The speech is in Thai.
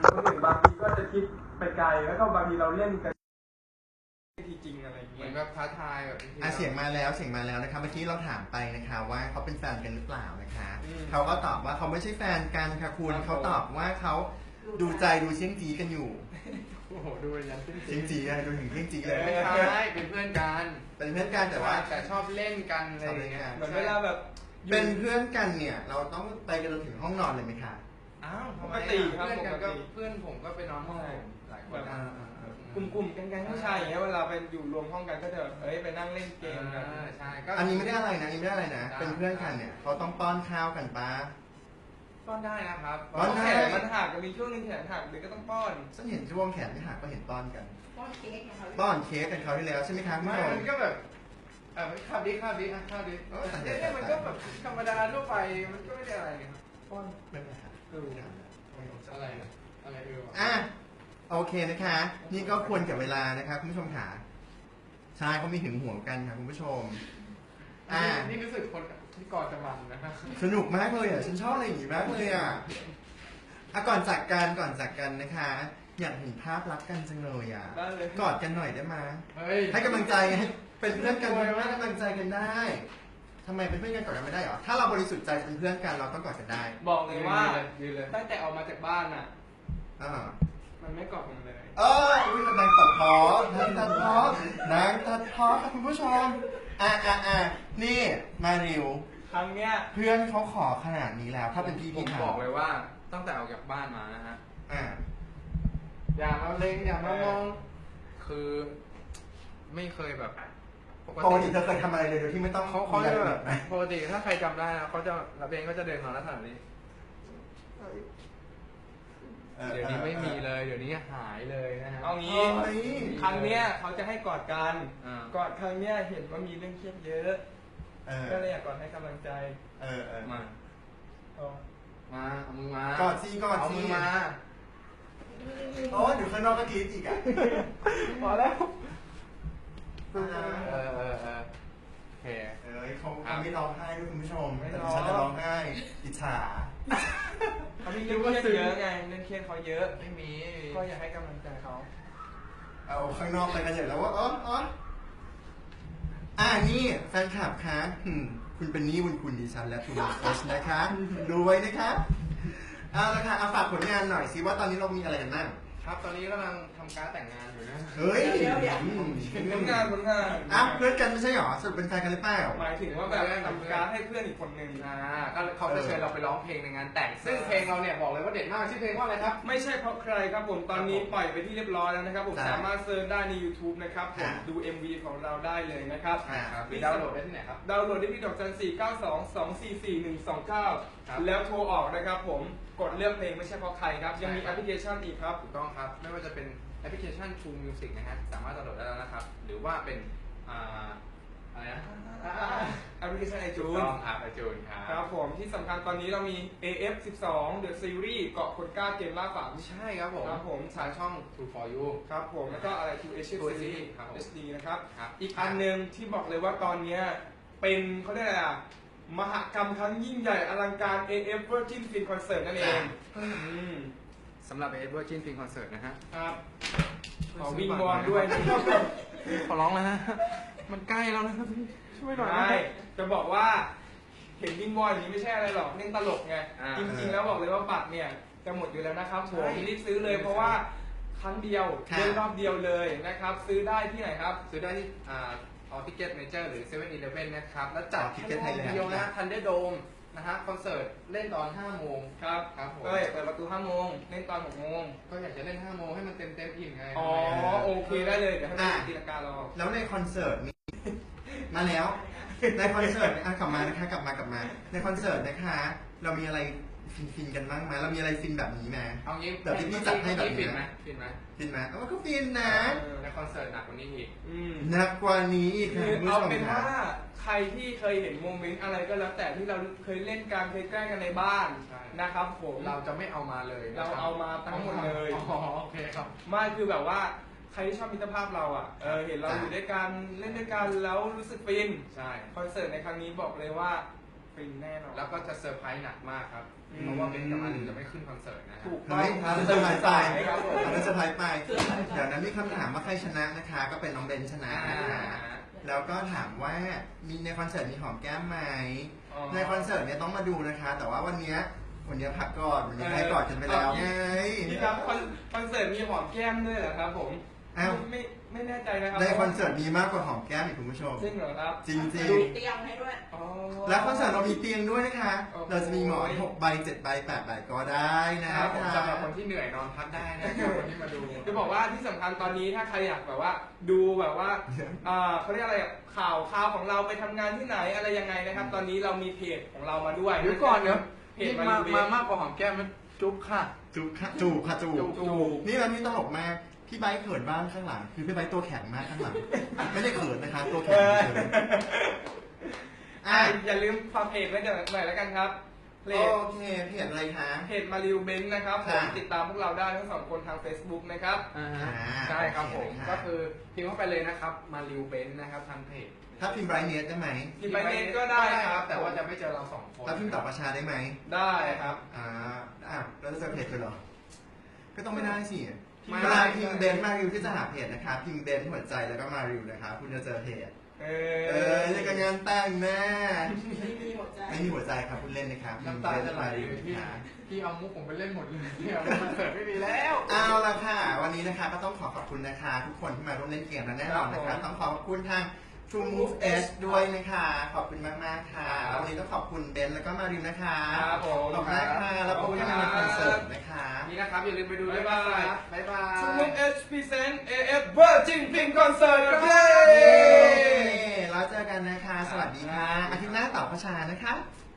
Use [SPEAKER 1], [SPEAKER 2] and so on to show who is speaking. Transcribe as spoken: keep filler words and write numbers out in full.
[SPEAKER 1] คนอื่นบางทีก็จะคิดไปไกลแล้วก็บางทีเราเล่นกันทีจริงอะไรอย่าง
[SPEAKER 2] เหมื
[SPEAKER 1] เงี้
[SPEAKER 2] อย นแบบท้าทายแบบ
[SPEAKER 3] อ่ะเสียงมาแล้วเสียงมาแล้วนะคะเมื่อกี้เราถามไปนะคะว่าเขาเป็นแฟนกันหรือเปล่านะคะ
[SPEAKER 1] อืม
[SPEAKER 3] เขาก็ตอบว่าเขาไม่ใช่แฟนกันค่ะคุณ
[SPEAKER 1] ครับ
[SPEAKER 3] เขาตอบว่าเขาดูใจดูเชี่ยงจีกันอยู่
[SPEAKER 2] โอ้โหดูยันขึ้น
[SPEAKER 3] เชี่ยงจีอะดูถึงเชี่ยงจีเลย
[SPEAKER 2] ไม่ใช่เป็นเพื่อนกัน
[SPEAKER 3] เป็นเพื่อนกันแต่ว่า
[SPEAKER 2] แต่ชอบเล่นกันอะไรอย่างเงี้ย
[SPEAKER 1] เหมือนเวลาแบบอยู่
[SPEAKER 3] เป็นเพื่อนกันเนี่ยเราต้องไปกันจนถึงห้องนอนเลยไหมคะ
[SPEAKER 2] อ้าวทำไม
[SPEAKER 1] ปกติครับ
[SPEAKER 2] เพื่อนกันก็
[SPEAKER 1] ปกติ
[SPEAKER 2] เพื่อนผมก็ไปนอนห้องผมหลายคน
[SPEAKER 1] แบบ
[SPEAKER 2] นะ
[SPEAKER 1] กลุ่มๆแก๊งๆผู้ชายอย่างเงี้ยเวลาไปอยู่รวมห้องกันก็จะแบบเอ้ยไปนั่งเล่นเกมกัน
[SPEAKER 2] อ่าใช่ก็
[SPEAKER 3] อันนี้ไม่ได้อะไรนะอันนี้ไม่ได้อะไรนะ
[SPEAKER 2] ได้
[SPEAKER 3] เป็นเพื่อนกันเนี่ยเขาต้องป้อนข้าวกันปะ
[SPEAKER 2] ป้อนได้นะครับ
[SPEAKER 3] ป้อนได้
[SPEAKER 1] แขนมันหักมีช่วงหนึงแขนหักเด็กก็ต้องป้อน
[SPEAKER 3] ฉันเห็นช่วงแขนไม่หักก็เห็นป้อนกัน
[SPEAKER 4] ป้อนเค้กไงเขา
[SPEAKER 3] ป้อนเค้กกันเขาวที่แล้วใช่ไหมคะคุณ
[SPEAKER 2] ไม่
[SPEAKER 3] ผู้ชม
[SPEAKER 2] มันก็แบบเออข้าวดิข้าวดิอ่ะข้าวดิ
[SPEAKER 3] เออแต่เดี๋
[SPEAKER 2] เนี่ย
[SPEAKER 3] วย
[SPEAKER 2] มันก็แบบธรรมดาทั่วไปมันก็ไม่ได้อะไรนี่ครับ
[SPEAKER 3] ป้อนไม่เป็นไรค่ะ
[SPEAKER 1] เออ
[SPEAKER 2] อะไรนะอะไรเออวะ
[SPEAKER 3] อ่ะโอเคนะคะ นี่ก็ควรกับเวลานะคะคุณผู้ชมค่ะใช่เขามีหึงหวงกันค่ะคุณผู้ชม อ่า
[SPEAKER 2] นี่รู้สึกคนที่กอดจะมันนะครับ
[SPEAKER 3] สนุกมากเลยอ่ะฉันชอบอะไรอย่างงี้มากเลยอ่ะอ่ะก่อนจากกันก่อนจากกันนะคะ อยากเห็นภาพรักกันจังเลยอ่ะ
[SPEAKER 1] ได้เลย
[SPEAKER 3] กอดกันหน่อยได้ไหม
[SPEAKER 2] เฮ้ย
[SPEAKER 3] ให้กำลังใจให้เป็นเพื่อนกันให้กำลังใจกันได้ทำไมเป็นเพื่อนกันกอดกันไม่ได้หรอถ้าเราบริสุทธิ์ใจเป็นเพื่อนกันเราต้องกอดกันได้
[SPEAKER 1] บอกเลยว่า
[SPEAKER 2] ยืนเลย
[SPEAKER 1] ตั้งแต่ออกมาจากบ้านอ่ะ
[SPEAKER 3] อ่า
[SPEAKER 1] มันไม่กอดผมเลย
[SPEAKER 3] เอออุ้ยนางตัดพ้อนางตัดพ้อนางตัดพ้อค่ะคุณผู้ชมอ่ะอ่ะอ่ะนี่มาริว
[SPEAKER 1] ครั้งเนี้ย
[SPEAKER 3] เพื่อนเขาขอขนาดนี้แล้วถ้าเป็นพี่
[SPEAKER 2] ผ
[SPEAKER 3] พี่
[SPEAKER 2] ม
[SPEAKER 3] ถา
[SPEAKER 2] บอ
[SPEAKER 3] ม
[SPEAKER 2] กเลยว่าตั้งแต่ออกจากบ้านมานะฮะ
[SPEAKER 3] อ่า
[SPEAKER 2] อย่ามาเล็งอย่ามามอง คือไม่เคยแบบ
[SPEAKER 3] ปกติเธอเคยทำอะไรเลยโดยที่ไม่ต้อง
[SPEAKER 2] เขาเขาจะ
[SPEAKER 3] มี
[SPEAKER 2] แบ
[SPEAKER 3] ร
[SPEAKER 2] บ
[SPEAKER 3] ยละเอียดไหม
[SPEAKER 2] ปกติถ้าใครจำได้นะเขาจะระเบงก็จะเดินมาลักษณะนี้
[SPEAKER 3] ออ
[SPEAKER 2] เดี๋ยวนี้ไม่มีเลย เดี๋ยวนี้หายเลยนะฮะ
[SPEAKER 1] เอางี้
[SPEAKER 3] เฮ้ย
[SPEAKER 1] ครั้งเนี้ยเขาจะให้กอดกัน
[SPEAKER 2] อ่า
[SPEAKER 1] กอดครั้งเนี้ยเห็นว่ามีเรื่องเครียดเยอะ
[SPEAKER 3] เออ
[SPEAKER 1] ก็เลยอยากกอดให้กำลังใจ
[SPEAKER 3] เออเออ
[SPEAKER 2] มา
[SPEAKER 1] เอา
[SPEAKER 2] มาเอามือมาก
[SPEAKER 3] อดสิกอดสิ
[SPEAKER 2] เอามือมา
[SPEAKER 3] โอ้เดี๋ยวข้างนอกก็กรีดอีกอ่ะ
[SPEAKER 1] พอแล้ว
[SPEAKER 2] เออเออเออเออโอเค
[SPEAKER 3] เอ้ยเขาเขาไม่ร้องไห้ด้วยคุณผู้ชม
[SPEAKER 1] ไม่
[SPEAKER 3] แต่
[SPEAKER 1] ร้
[SPEAKER 3] ดิ
[SPEAKER 1] อง
[SPEAKER 3] ฉันจะร้องไห้อิจฉา
[SPEAKER 1] เขามีเรื่องเครียดเยอะไงเรื่องเครียดเขาเยอะ
[SPEAKER 2] ไม่มี
[SPEAKER 1] ก็อยากให้กำลังใจเขา
[SPEAKER 3] เอาข้างนอกไปกันใหญ่แล้วว่าอ๋ออ๋ออ่านี่แฟนคลับคะอืมคุณเป็นหนี้บุญคุณดิฉันและคุณเอสนะคะดูไว้นะคะเอาละค่ะเอาฝากผลงานหน่อยสิว่าตอนนี้เรามีอะไรกันบ้าง
[SPEAKER 2] ครับตอนนี้กำลังทำการดแต่งงานอยู่นะ
[SPEAKER 3] เฮ้ย
[SPEAKER 1] ผลงานผลงาน
[SPEAKER 3] อ่ะเพื่อนกันไม่ใช่หรอสรุปเป็นแฟนกันหรือเปล่า
[SPEAKER 1] หมายถึงว่าแบบทำการดให้เพื่อนอีกคนหนึ่ง
[SPEAKER 2] อ่าก็เขาจะเชิญเราไปร้องเพลงในงานแต่ง ซึ่งเพลงเราเนี่ยบอกเลยว่าเด็ดมากชื่อเพลงว่าอะไรครับ
[SPEAKER 1] ไม่ใช่เพราะใครครับผมตอนนี้ปล่อยไปที่เรียบร้อยแล้วนะครับผม
[SPEAKER 3] ใช่
[SPEAKER 1] สามารถเซิร์ชได้ใน YouTube นะครับผม
[SPEAKER 3] อ่า
[SPEAKER 1] ดู เอ็ม วี ของเราได้เลยนะครับ
[SPEAKER 3] อ่า
[SPEAKER 2] ครับมีดาวน์โหลดได้ที่ไหนครับ
[SPEAKER 1] ดาวน์โหลดได้ที่ดอกจันสี่เก้าสองสองสี่สี่หนึ่งสองเก้า
[SPEAKER 2] ครับ
[SPEAKER 1] แล้วโทรออกนะครับผมกดเลือกเพลงไม่ใช่เพราะใครครับ ยังมี
[SPEAKER 2] ใช่
[SPEAKER 1] แอ
[SPEAKER 2] ครับ
[SPEAKER 1] ปพลิเคชันอีกครับ
[SPEAKER 2] ถูกต้องครับ ไม่ว่าจะเป็นแอปพลิเคชัน True Music นะฮะสามารถดาวน์โหลดได้แล้วนะครับ หรือว่าเป็นอ่าอะไรนะ
[SPEAKER 1] แอปพลิเคชันไอ
[SPEAKER 2] จู
[SPEAKER 1] จู
[SPEAKER 2] น
[SPEAKER 1] น
[SPEAKER 2] อ่าไอจูนครั
[SPEAKER 1] ครับ บผมที่สำคัญตอนนี้เรามี เอ เอฟ สิบสอง The Series เกาะคนกล้าเกมล่าฝัน
[SPEAKER 2] ใช่ครับผม
[SPEAKER 1] ครับผม
[SPEAKER 2] ทางช่อง True for You
[SPEAKER 1] ครับผมแล้วก็อะไร ทู เอช
[SPEAKER 2] ทู เอช
[SPEAKER 1] Series
[SPEAKER 2] ครับผม
[SPEAKER 1] เอช ดี นะครับ
[SPEAKER 2] ครับ
[SPEAKER 1] อีกอันหนึ่งที่บอกเลยว่าตอนเนี้ยเป็นเขาเรียกอะไรอ่ะ มหกรรมครั้งยิ่งใหญ่อลังการ เอ เอฟ Virgin Film Concert นั่นเองอืม
[SPEAKER 2] สำหรับ เอ Virgin Film Concert นะฮะ
[SPEAKER 1] ครับ ขอวิงวอนด้วยนะครับ
[SPEAKER 2] ขอร้องแล้วนะ มันใกล้แล้วนะครับพี่ช่วยหน่อยนะ
[SPEAKER 1] ใช่จะบอกว่าเห็นวิงวอนอย่างนี้ไม่ใช่อะไรหรอกเล่นตลกไง
[SPEAKER 2] อ่า
[SPEAKER 1] จริงๆแล้วบอกเลยว่าบัตรเนี่ยจะหมดอยู่แล้วนะครับผม
[SPEAKER 2] ใช่
[SPEAKER 1] รีบซื้อเลยเพราะว่าครั้งเดียว
[SPEAKER 3] ค่ะ
[SPEAKER 1] เล่นรอบเดียวเลยนะครับ ซื้อได้ที่ไหนครับ
[SPEAKER 2] ซื้อได้ที่อ่าออทิเก็ตเมเจอร์หรือเซเว่นอีเลฟเว่นนะครับ แล้วจัด
[SPEAKER 3] All Ticket
[SPEAKER 2] แค่รอบ
[SPEAKER 3] Thailand
[SPEAKER 2] เดียวนะทันเดอร์โดมนะฮะคอนเสิร์ตเล่นตอนห้าโมง
[SPEAKER 1] ครับ
[SPEAKER 2] ครับผม
[SPEAKER 1] เอ้ยเปิดประตูห้าโมงเล่นตอนหกโมง
[SPEAKER 2] ก็อยากจะเล่นห้าโมงให้มันเต็มเต็มอิ่มไง
[SPEAKER 1] อ๋อโอเคได้เลยเดี๋ยวให้ไปตีลังการอ
[SPEAKER 3] แล้วในคอนเสิร์ตมี มาแล้ว ในคอนเสิร์ตอ่ะกลับมานะคะกลับมากลับมา ในคอนเสิร์ตนะคะ เรามีอะไรฟินๆกันบ้างไหมเรามีอะไรฟินแบบนี้ไหม
[SPEAKER 2] เอางี้
[SPEAKER 3] แบบที่พี่จัดให้แบบนี้
[SPEAKER 2] ฟินไหมฟินไหม
[SPEAKER 3] ฟินไหมเอาก็ฟินนะ
[SPEAKER 2] ในคอนเสิร์ตหนักกว่านี้อีก
[SPEAKER 1] อืม
[SPEAKER 3] หนักกว่านี้อีก
[SPEAKER 1] คื
[SPEAKER 3] ค่ะ
[SPEAKER 1] อ
[SPEAKER 3] คุณผู้
[SPEAKER 1] เอา
[SPEAKER 3] ชม
[SPEAKER 1] เป็น
[SPEAKER 3] ค่ะ
[SPEAKER 1] ว่าใครที่เคยเห็นโมเมนต์อะไรก็แล้วแต่ที่เราเคยเล่นกันเคยแกล้งกันในบ้าน
[SPEAKER 2] ใช่
[SPEAKER 1] นะครับผม
[SPEAKER 2] เราจะไม่เอามาเลยนะค
[SPEAKER 1] เรา
[SPEAKER 2] บ
[SPEAKER 1] เอามาทั้งหมดเลย
[SPEAKER 2] อ๋อโอเคครับ
[SPEAKER 1] ไม่คือแบบว่าใครที่ชอบมิตรภาพเราอ่ะเออเห็นเราอยู่ด้วยกันเล่นด้วยกันแล้วรู้สึกฟิน
[SPEAKER 2] ใช่
[SPEAKER 1] คอนเสิร์ตในครั้งนี้บอกเลยว่าฟินแน่นอน
[SPEAKER 2] แล้วก็จะเซอร์ไพรส์หนักมากครับ
[SPEAKER 1] อืม
[SPEAKER 2] เพราะว่าเบนกับมารินจะไม่ขึ้นคอนเสิร์ตนะฮะ
[SPEAKER 1] ถูก
[SPEAKER 3] เฮ้ย
[SPEAKER 1] ครับ
[SPEAKER 3] เซอร์ไพรส์ไป
[SPEAKER 1] ครับผม
[SPEAKER 3] อันนั้นเซอร์ไพรส์ไป เดี๋ยวนั้นมีคำถามว่าใครชนะนะคะ ก็เป็นน้องเบนชนะนะคะ แล้วก็ถามว่ามีในคอนเสิร์ตมีหอมแก้มไหม
[SPEAKER 1] อ๋อ
[SPEAKER 3] ในคอนเสิร์ตเนี่ยต้องมาดูนะคะ แต่ว่าวันเนี้ยวันเนี้ยพักก่อนวันนี้ให้กอดกันไปแล้วไง
[SPEAKER 1] พี่ครับคอนคอนเสิร์ตมีหอมแก้มด้วยเหรอครับผม
[SPEAKER 3] อ้าว
[SPEAKER 1] ไม่ไม่แน่ใจนะครับ
[SPEAKER 3] ในคอนเสิร์ตมีมากกว่าหอมแก้มอีกคุณผู้ชม
[SPEAKER 1] จริงเหรอครับ
[SPEAKER 3] จริง
[SPEAKER 4] มีเตียงให้ด้วย
[SPEAKER 1] อ๋อ
[SPEAKER 3] ๆ แล้วคอนเสิร์ตเรามีเตียงด้วยนะคะ
[SPEAKER 1] โอ้โห
[SPEAKER 3] เราจะมีหมอนหกใบเจ็ดใบแปดใบก็ได้นะ
[SPEAKER 2] ค
[SPEAKER 3] คะ
[SPEAKER 2] รับผมสำหรับคนที่เหนื่อยนอนพักได้นะครับวันนี้มาดู
[SPEAKER 1] จะบอกว่าที่สำคัญตอนนี้ถ้าใครอยากแบบว่า ดูแบบว่าอ่าเขาเรียกอะไรอะข่าวข่าวของเราไปทำงานที่ไหนอะไรยังไงนะครับ ตอนนี้เรามีเพจของเรามาด้วย
[SPEAKER 2] เดี๋ยวก่อนเดี๋ยว
[SPEAKER 1] เพจ
[SPEAKER 2] นี่
[SPEAKER 1] มา
[SPEAKER 2] มา
[SPEAKER 1] ดู
[SPEAKER 2] มามากกว่าหอมแก้มมันจุ๊บค่ะ
[SPEAKER 3] จูบค่ะจูบค่ะจู
[SPEAKER 2] จู
[SPEAKER 3] บบ
[SPEAKER 1] จูบ
[SPEAKER 3] นี่แล้วนี่ตลกมาก พี่ไบค์เขินบ้างข้างหลัง คือพี่ไบค์ตัวแข็งมากข้างหลัง ไม่ได้เขินนะคะ ตัวแข็งเฉยๆ
[SPEAKER 1] อ่ะ
[SPEAKER 3] อ่ะ
[SPEAKER 1] อย่าลืมฝากเพจไว้หน่อยแล้วกันครับเพจ
[SPEAKER 3] โอเคเพจอะไรคะ
[SPEAKER 1] เพจมาริวเบนนะครับผม
[SPEAKER 3] ค่ะ
[SPEAKER 1] ติดตามพวกเราได้ทั้งสองคนทาง Facebook นะครับ
[SPEAKER 2] อ่า
[SPEAKER 3] อ่า
[SPEAKER 2] ใช่ครับผม
[SPEAKER 3] โอเคค่ะ
[SPEAKER 2] ก็คือพิมพ์เข้าไปเลยนะครับ มาริวเบนนะครับทางเพจ
[SPEAKER 3] ถ้าพิมพ์ไบรท์เนสได้ไหม
[SPEAKER 1] พิมพ์ไปเน็ตก็ได้ครับ
[SPEAKER 2] แต่ว่าจะไม่เจอเราสองคน
[SPEAKER 3] ถ้าพิมพ์ต่อประชาได้ไหม
[SPEAKER 1] ได้ครับ
[SPEAKER 3] อ่าอ่ะแล้วจะเจอเพจเลยเหรอ ก็ต้องไม่ได้สิ
[SPEAKER 2] ไม่
[SPEAKER 3] เวลาพิมพ์เบนซ์มาริวที่จะหาเพจนะคะพิมพ์เบนซ์หัวใจแล้วก็มาริวนะคะคุณจะเจอเพจ
[SPEAKER 1] เอ
[SPEAKER 3] เออนี่ก็งานแต่งแน่
[SPEAKER 4] ไม่มีหัวใจ
[SPEAKER 3] ไม่มีหัวใจครับคุณเล่นนะครับ
[SPEAKER 2] น้ำตาจะไหล
[SPEAKER 3] พิมพ์
[SPEAKER 2] พี่
[SPEAKER 3] เบนซ์มาริวนะคะ
[SPEAKER 2] พี่เอามุกผมไปเล่นหมดเลยเนี่ยคอนเสิร์ตไม่มีแล้ว
[SPEAKER 3] เอาละค่ะ วันนี้นะคะก็ต้องขอขอบคุณนะคะ ทุกคนที่มาร่วมเล่นเกมและแน่นอนนะคะ ต้องขอขอบคุณทาง True Move Edge ด้วยนะคะ ขอบคุณมากๆค่ะแล้ววันนี้ต้องขอบคุณเบนซ์แล้วก็มาริวนะคะ
[SPEAKER 1] ครับผม
[SPEAKER 3] ขอบคุณนะคะแล้วพบกันในคอนเสิร์ตนะคะ
[SPEAKER 2] นี่นะครับอย่าลืมไปดูด้วยนะครับบ๊ายบาย
[SPEAKER 1] True Move Edge Present เอ เอฟ Virgin Pink Concert ครับเย้
[SPEAKER 3] แล้วเจอกันนะคะ สวัสดีค่ะ อาทิตย์หน้าต่อประชานะคะ